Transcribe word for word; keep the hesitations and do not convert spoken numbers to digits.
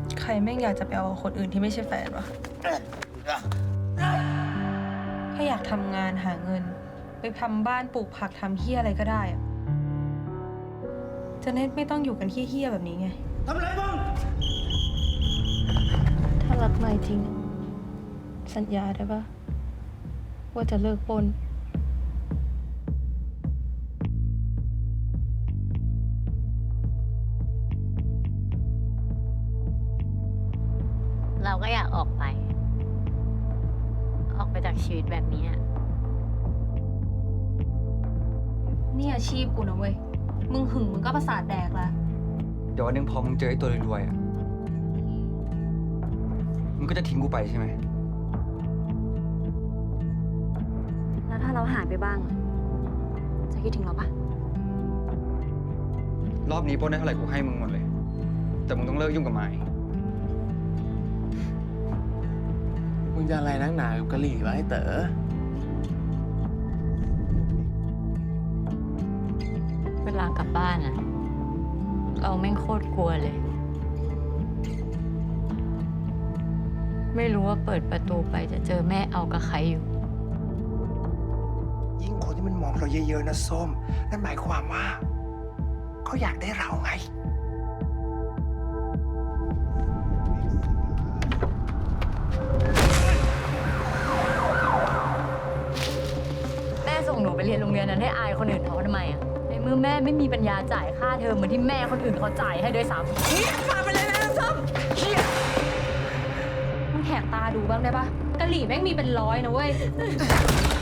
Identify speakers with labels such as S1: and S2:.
S1: ใครแม่งอยากจะไปเอากับคนอื่นที่ไม่ใช่แฟนวะถ้าอยากทำงานหาเงิน ไปทำบ้านปลูกผักทำเฮี้ยอะไรก็ได้อะจะเน็ตไม่ต้องอยู่กันเฮี้ยๆแบบนี้ไงทำอะไรบ้างถ้ารักนายจริง สัญญาได้ปะว่าจะเลิกปล้น
S2: เราก็อยากออกไป ออกไปจากชีวิตแบบนี้
S1: นี่อาชีพกูนะเว้ย มึงหึงมึงก็ประสาทแดกละ
S3: เดี๋ยววันหนึงพอมึงเจอไอ้ตัวรวยๆอ่ะ มึงก็จะทิ้งกูไปใช่ไหม
S4: แล้วถ้าเราหายไปบ้าง จะคิดถึงเราปะ
S3: รอบนี้ปล้นได้เท่าไหร่กูให้มึงหมดเลย แต่มึงต้องเลิกยุ่งกับไม้
S5: มึงจะอะไรนักหนากับกะหรี่วะไอ้เต๋อ
S2: เวลากลับบ้านอะเราแม่งโคตรกลัวเลย ไม่รู้ว่าเปิดประตูไปจะเจอแม่เอากับใครอยู่
S6: ยิ่งคนที่มันมองเราเยอะๆนะส้ม นั่นหมายความว่า เขาอยากได้เราไง
S2: แม่ส่งหนูไปเรียนโรงเรียนนั้นให้อายคนอื่นเขาทำไมอะในเมื่อแม่ไม่มีปัญญาจ่ายค่าเทอมเหมือนที่แม่คนอื่นเขาจ่ายให้ด้วยซ้ำเฮียมาไปเลยนะส้มเฮีย
S1: มึงแหกตาดูบ้างได้ปะกะหรี่แม่งมีเป็นร้อยนะเว้ย